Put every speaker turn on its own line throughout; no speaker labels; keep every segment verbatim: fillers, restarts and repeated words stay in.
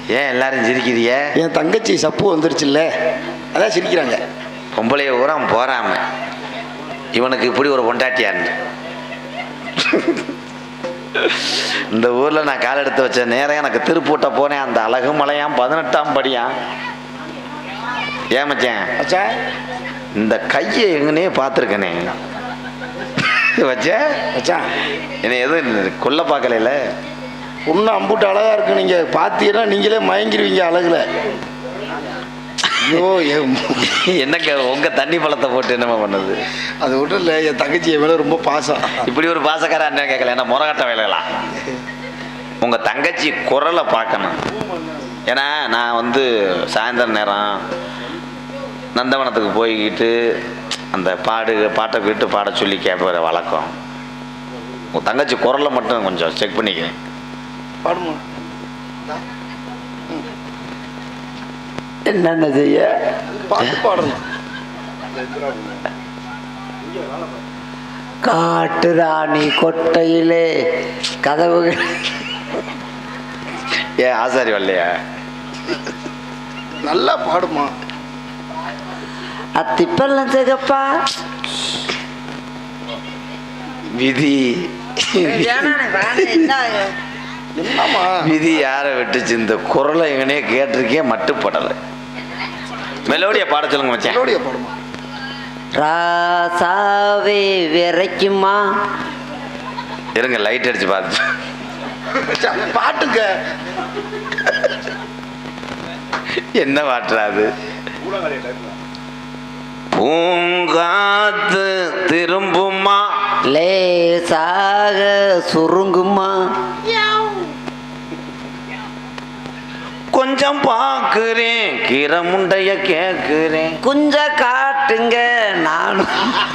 ஏன் எல்லாரும் சிரிக்கிறிய?
என் தங்கச்சி சப்பு வந்துருச்சுல்ல, அதான் சிரிக்கிறாங்க.
பொம்பளைய ஊரா போறாம இவனுக்கு இப்படி ஒரு பொண்டாட்டியான்னு. இந்த ஊர்ல நான் கால் எடுத்து வச்ச நேரம் எனக்கு திருப்பூட்ட போனேன். அந்த அழகு மலையாம் பதினெட்டாம் படியாம். ஏமச்சேன் இந்த கையை எங்கனே பார்த்துருக்கனே வச்ச
மச்சான்.
என்ன எதுவும் கொல்ல பார்க்கல.
பொண்ணு அம்புட்டு அழகா இருக்கு, நீங்க பார்த்தீங்கன்னா நீங்களே மயங்கிருவீங்க அழகுல. ஐயோ
என்னங்க உங்க தண்ணி பழத்தை போட்டு என்னமா பண்ணது?
அது ஒன்றும் இல்லை, என் தங்கச்சி மேலே ரொம்ப பாசம்.
இப்படி ஒரு பாசக்கார அண்ணன் கேட்கல, என்ன முறகட்ட வேலைகளா? உங்க தங்கச்சி குரலை பார்க்கணும். ஏன்னா நான் வந்து சாயந்தர நேரம் நந்தவனத்துக்கு போய்கிட்டு அந்த பாடு பாட்டை விட்டு பாட சொல்லி கேட்பற வழக்கம். உங்கள் தங்கச்சி குரலை மட்டும் கொஞ்சம் செக் பண்ணிக்கிறேன்.
பாடுமா?
என்னென்ன செய்ய
பாட்டு பாடணும்.
காட்டு ராணி கொட்டையிலே கதவுகள். ஏன் ஆசாரி வரலையா?
நல்லா பாடுமா.
அத்திப்பெல்லாம் சிகப்பா விதி.
என்னம்மா
விதி யாரை விட்டுச்சு? இந்த குரலை எங்கனே கேட்டிருக்கே, மட்டுப்படலை. மெலோடியா பாட சொல்லுங்க மச்சான்.
மெலோடியா பாடுமா.
ராசாவே விரைக்குமா. இருங்க லைட் அடிச்சு பார்த்து
பாட்டுங்க.
என்ன பாட்டுறாது? பூங்காத்து திரும்புமா லேசாக சுருங்குமா. கொஞ்சம் பாக்குறேன் கீரை முண்டைய கேக்குறேன், கொஞ்சம் காட்டுங்க நானும்.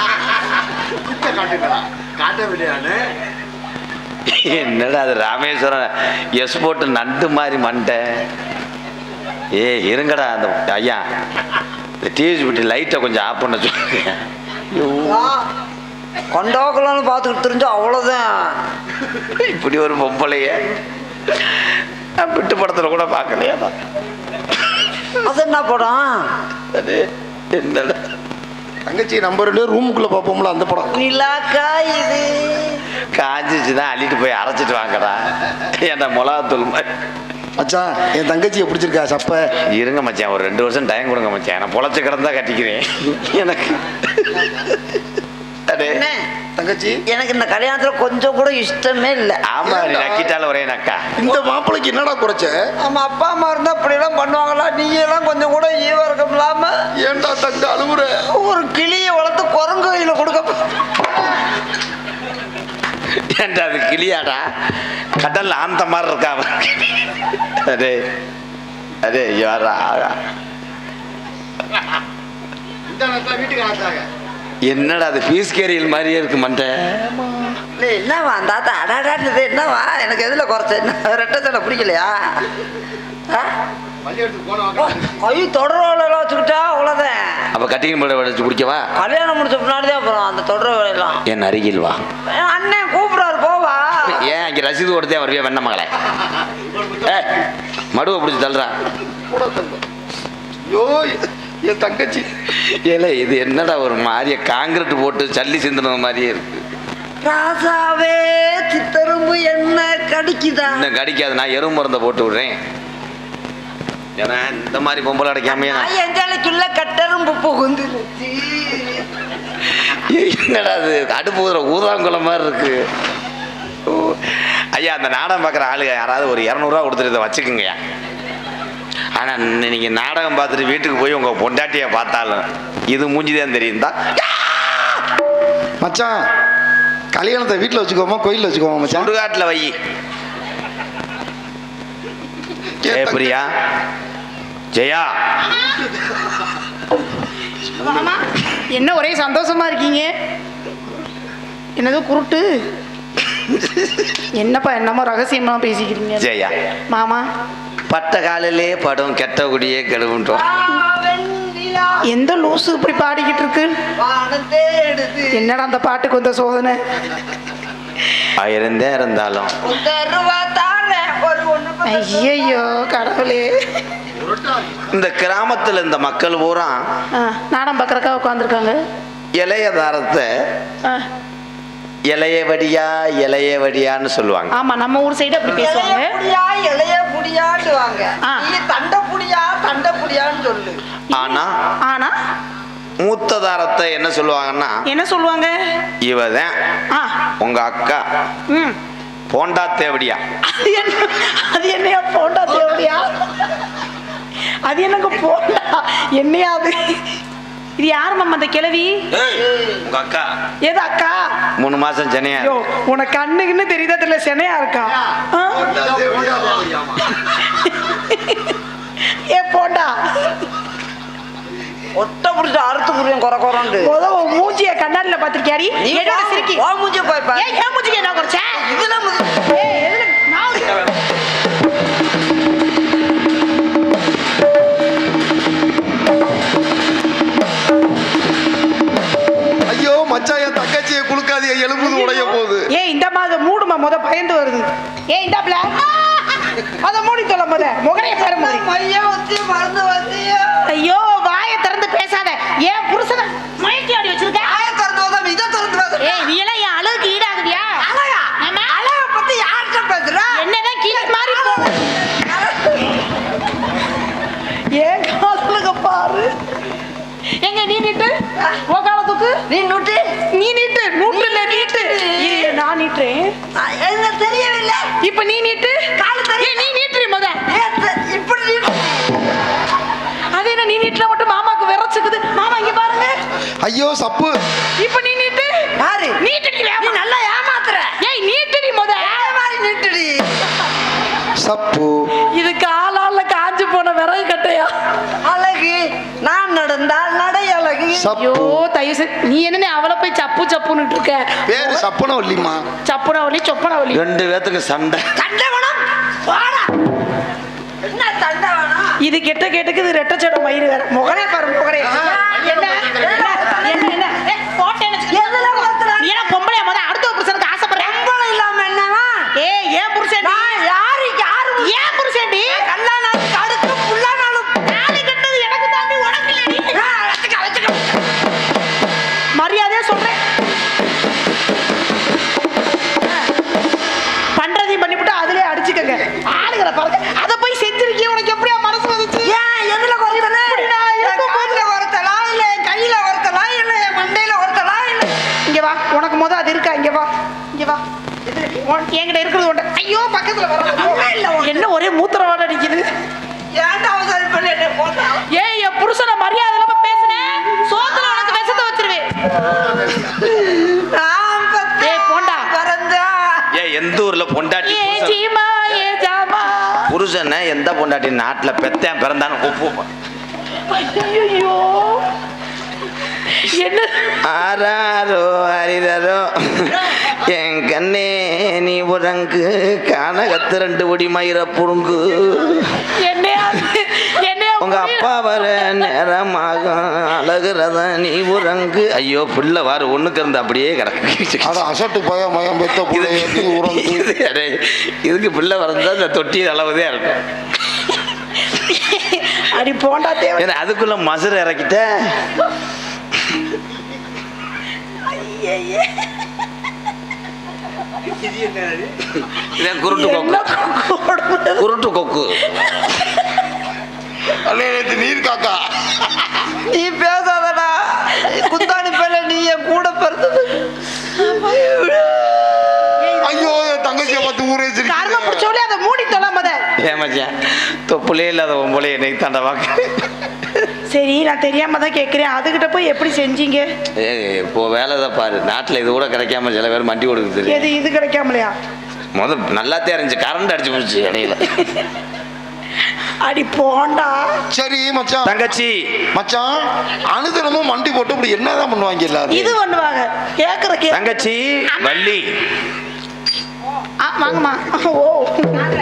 என்னடா அது ராமேஸ்வரம் எஸ் போட்டு நண்டு மாதிரி மண்டை. ஏ இருங்கடா அந்த ஐயா இந்த டிவி விட்டு லைட்டை கொஞ்சம் ஆஃப் பண்ண சொல்லுங்க.
கொண்டோக்கலான்னு பார்த்துக்கிட்டு தெரிஞ்சா அவ்வளோதான்.
இப்படி ஒரு பொம்பளைய விட்டு படத்தில் கூட பார்க்கலையா?
அது என்ன படம்?
அது என்னடா
தங்கச்சி நம்பர் ரெண்டு ரூமுக்குள்ள பார்ப்போம்ல அந்த படம்.
நிலாக்கா இது
காஞ்சிச்சுதான் அள்ளிட்டு போய் அரைச்சிட்டு வாங்கடா. ஏன்டா மிளகாத்தூள் மாதிரி.
மச்சான் என் தங்கச்சியை பிடிச்சிருக்கா சப்ப?
இருங்க மச்சான், ஒரு ரெண்டு வருஷம் டைம் கொடுங்க மச்சான். நான் பொழைச்சு கிடந்தா கட்டிக்கிறேன். எனக்கு
தங்கச்சி
எனக்கு இந்த கல்யாணத்துல கொஞ்சம் கூட இஷ்டமே இல்லை.
ஆமா நீ நக்கிட்டால ஒரே நக்கா.
இந்த மாப்பிளைக்கு என்னடா குறைச்ச?
நம்ம அப்பா அம்மா இருந்தா அப்படி எல்லாம் பண்ணுவாங்களா? நீங்க எல்லாம் கொஞ்சம் கூட ஈவ இருக்கம் இல்லாம
ஏன்டா தங்க அழுகுற? ஒரு
கிளியை வளர்த்து குரங்கு கையில கொடுக்க.
ஏன்டா அது கிளியாடா? கடல் ஆந்த மாதிரி இருக்கா? அதே அதே யாரா என்னடா அது பீஸ் கேரியல் மாதிரியே இருக்கு மண்டை.
என்னவா அந்த தாத்தா அடாடாது? என்னவா எனக்கு எதுல குறைச்ச? என்ன ரெட்டை சடை பிடிக்கலையா? கை தொடர் வேலை வச்சுக்கிட்டா அவ்வளோதான்.
அப்ப கட்டிங் போட வச்சு குடிக்கவா?
கல்யாணம் முடிச்ச பின்னாடிதான் அப்புறம் அந்த தொடர் வேலையெல்லாம்.
என் அருகில் வா.
அண்ணன் கூப்பிடாரு போவா.
ஏன் அங்கே ரசீது கொடுத்தே வருவியா வெண்ண மகளே? ஏ மடுவை பிடிச்சி தள்ளுறா.
ஐயோ என் தங்கச்சி.
ஏல இது என்னடா ஒரு மாதிரியே காங்கிரீட் போட்டு சல்லி சிந்தின மாதிரியே இருக்கு.
ராசாவே சித்தரும்பு என்ன கடிக்குதா?
இன்னும் கடிக்காது, நான் எறும்பு மருந்தை போட்டு விடுறேன். ஏன்னா இந்த மாதிரி பொம்பளை அடைக்காமையா
எஞ்சாலைக்குள்ள கட்டரும்பு புகுந்துருச்சு.
என்னடா அது அடுப்பு ஊதுற ஊதாங்குளம் மாதிரி இருக்கு. ஐயா அந்த நாடகம் பார்க்குற ஆளுங்க யாராவது ஒரு இரநூறுவா கொடுத்துட்டு இதை வச்சுக்குங்கய்யா. ஆனால் நீங்கள் நாடகம் பார்த்துட்டு வீட்டுக்கு போய் உங்கள் பொண்டாட்டியை பார்த்தாலும் இது மூஞ்சிதான் தெரியும் தான்.
மச்சான் கல்யாணத்தை வீட்டில் வச்சுக்கோமா கோயிலில் வச்சுக்கோமா மச்சான்?
சுடுகாட்டில் வை. ஏ பிரியா ஜெயா
மாமா என்ன ஒரே சந்தோஷமா இருக்கீங்க? என்னது குருட்டு? என்னப்பா என்னமோ ரகசியமா பேசிக்கிறீங்க?
ஜெயா
மாமா
பட்ட காலிலே படம் கெட்ட குடியே கெடுவுன்றோம்.
எந்த லூசு இப்படி பாடிக்கிட்டு இருக்கு? என்னடா அந்த பாட்டுக்கு வந்த சோதனை?
ஆயிரம் இருந்தாலும்
ஒரு ஒண்ணு
ஐயையோ கடவுளே.
இந்த கிராமத்தில் இந்த மக்கள் பூரா
ஆ, நாடகம் பார்க்கறக்கா உட்காந்துருக்காங்க.
இளைய தாரத்தை இளைய வடியா இளைய வடியான்னு சொல்லுவாங்க.
ஆமா, நம்ம ஊர் சைடு அப்படி பேசுவாங்க.
இளைய புடியா இளைய புடியாண்டுவாங்க.
ஆ.
நீ தண்டை புடியா தண்டை புடியான்னு சொல்லு.
ஆனா
ஆனா
மூத்த தாரத்தை என்ன சொல்லுவாங்கன்னா,
என்ன சொல்லுவாங்க?
இவதான்
ஆ,
உங்க அக்கா
ம்.
போண்டா தேவடியா.
அது என்ன, அது என்னையா போண்டா தேவடியா? அது என்னங்க போண்டா என்னையா அது? இது யாரு மாமா அந்த கிழவி?
உங்க அக்கா
ஏது அக்கா?
மூணு மாசம் சென்னையா.
ஐயோ, உனக்கு கண்ணுக்குன்னு தெரியுதா தெரியல, சென்னையா இருக்கா? ஆ? ஏ போண்டா,
ஒட்ட புடிச்சு அறுத்து புரியும் குறை குறண்டு.
முத உன் மூஞ்சிய கண்ணாடில பாத்திருக்கியாடி? என்னோட சிரிக்கி.
ஓ மூஞ்சி போய் பாரு.
ஏய், ஏன் மூஞ்சிக்கு என்ன குறைச்ச?
இதுல முது-
ஏய், எதுல நான்
ஐயோ மச்சான், என் தங்கச்சியை குளுக்காதிய எலும்புது உடைய போகுது.
ஏய், இந்த மாதிரி மூடுமா, முத பயந்து வருது. ஏய், இந்த பிள அத மூடி தொலை முத. முகரைய பாரு முகரை.
மையம் வச்சு மருந்து வச்சியா?
ஐயோ, வாயை திறந்து பேசாத. ஏன் புருஷனை மயக்கி ஆடி வச்சிருக்க?
ஆய திறந்து வந்தா இதை திறந்து வந்தா.
ஏய், நீ எல்லாம் என் அழகுக்கு ஈடாகுவியா?
அழகா?
ஆமா.
அழகை பத்தி யார்கிட்ட பேசுற?
என்னதான் கீழே மாறி போ. ஏன் காதலுக்கு பாரு. எங்க நீ நீட்டு ஓ காலத்துக்கு
நீ நுட்டி.
நீ நீட்டு நூற்று இல்ல நீட்டு. இரு, நான் நீட்டுறேன்.
என்ன தெரியவில்லை.
இப்ப நீ நீட்டு.
காலு தெரியல.
ஏய், நீ நீட்டுறி முத.
ஏத்த- இப்படி நீ
அது என்ன நீ நீட்டுல மட்டும் மாமாக்கு விரச்சுக்குது. மாமா இங்க பாருங்க.
ஐயோ சப்பு.
இப்ப நீ நீட்டு.
பாரு.
நீட்டுடி
நீ
வேமா.
நல்லா ஏமாத்துற.
ஏய், நீட்டுடி முத.
அதே மாதிரி நீட்டுடி.
சப்பு.
இது காலால காஞ்சு போன விறகு கட்டையா?
அழகு நான் நடந்தால் நடை அழகு.
ஐயோ,
சப்பு.
தயவு செஞ்சு நீ என்ன அவளை போய் சப்பு சப்புன்னு இருக்க?
பேரு சப்புன வள்ளிமா.
சப்புனவலி சொப்பனவலி.
ரெண்டு பேத்துக்கு சண்டை.
தண்டவனம் வாடா. என்ன தண்டவனம்?
இது கெட்ட கேட்டுக்கு இது ரெட்ட சடம் மயிறு வேற. முகரே பாரு முகரே. என்ன என்ன என்ன என்ன? ஏய், போட்டேன்னு வச்சுக்க.
எதுல மாத்துற?
நீ என்ன பொம்பளையா முத அடுத்த புருஷனுக்கு ஆசைப்படுறேன்?
சம்பளம் இல்லாம என்னவா?
ஏய், ஏன் புருஷன்?
நான் யாருக்கு யாரு?
ஏன் புருஷன்டி?
கல்லானாலும் கடுக்கு புல்லானாலும்
தாலி கட்டது எனக்கு தாண்டி உனக்கு இல்லடி.
ஆ, வச்சுக்க வச்சுக்க.
மரியாதையா சொல்றேன். பண்றதையும் பண்ணிவிட்டு அதுலயே அடிச்சுக்கங்க. ஆளுகிற பாருங்க. அதை போய் செஞ்சிருக்கீங்க. உனக்கு எப்படியா மனசு வந்துச்சு?
ஏன் எதுல குறைத்தல?
இப்படி நான்
என்
இருக்கும் போது-
காதுல குறைத்தலா இல்ல என் கையில குறைத்தலா இல்ல என் மண்டையில குறைத்தலா இல்ல
இங்க வா, உனக்கு முத அது இருக்கா? இங்க வா, இங்க வா. உன்- என்கிட்ட இருக்கிறது ஒன்று. ஐயோ, பக்கத்துல வர.
இல்ல உனக்கு.
என்ன ஒரே மூத்திரவாட அடிக்குது?
ஏன்டா அவசரம் பண்ணி என்ன போட்டா?
ஏய், என் புருஷனை மரியாதை இல்லாம பேசுனேன், சோத்துல உனக்கு விஷத்தை வச்சிருவேன்.
நான் பத்த
ஏய், போண்டா.
பிறந்தா.
ஏ எந்த ஊர்ல பொண்டாட்டி
ஏ
புருஷன்?
சீமா, ஏ ஜாமா.
புருஷனை எந்த பொண்டாட்டி நாட்டுல பெத்தேன் பிறந்தான்னு ஒப்பு.
ஐயோ, என்ன?
ஆராரோ அரிரரோ என் கண்ணே நீ உறங்கு கானகத்து ரெண்டு ஒடி மயிர புடுங்கு.
என்னையா என்னையா
உங்க அப்பா வர நேரமாகும் அழகுறத நீ உறங்கு. ஐயோ, பிள்ளை வாரு ஒண்ணுக்கு இருந்து அப்படியே கிடக்கு.
அத அசட்டு பய மயம் பெத்த புள்ளை
இது-
உறந்து.
இது- அடே, இதுக்கு பிள்ளை வரந்தா இந்த தொட்டி அளவுதே இருக்கும்.
அடி போண்டா தேவை.
ஏன்னா அதுக்குள்ள மசுரை இறக்கிட்ட. இதான் குருட்டு
என்ன
கொக்கு.
கொடுமை.
குருட்டு கொக்கு.
அண்ணே, நேத்து நீர் காக்கா.
நீ பேசாதடா. குந்தாணி பேல நீ என் கூட பிறந்தது.
ஐயோ, என் தங்கச்சியை பார்த்து ஊரே
கர்ம
சிரிக்குது.
பிடிச்சோலே அதை மூடி தொல்லாம அதை.
ஏமாச்சேன் தொப்புலே இல்லாத உம்பளே என்னை தாண்டா வாக்கு.
சரி, நான் தெரியாம தான் கேட்குறேன். அதுகிட்ட போய் எப்படி செஞ்சீங்க?
ஏ இப்போ வேலை தான் பாரு. நாட்டில் இது கூட கிடைக்காம சில பேர் மண்டி கொடுக்குது.
எது இது கிடைக்காமலையா?
முதல் நல்லாத்தே இருந்துச்சு, கரண்ட் அடிச்சு போச்சு இடையில.
அடி போண்டா.
சரி மச்சான்.
தங்கச்சி
மச்சான், அனுதினமும் மண்டி போட்டு இப்படி என்னதான் பண்ணுவாங்க எல்லாரும்?
இது பண்ணுவாங்க. கேக்குற கே
தங்கச்சி வள்ளி.
ஆ, வாங்கம்மா. ஓ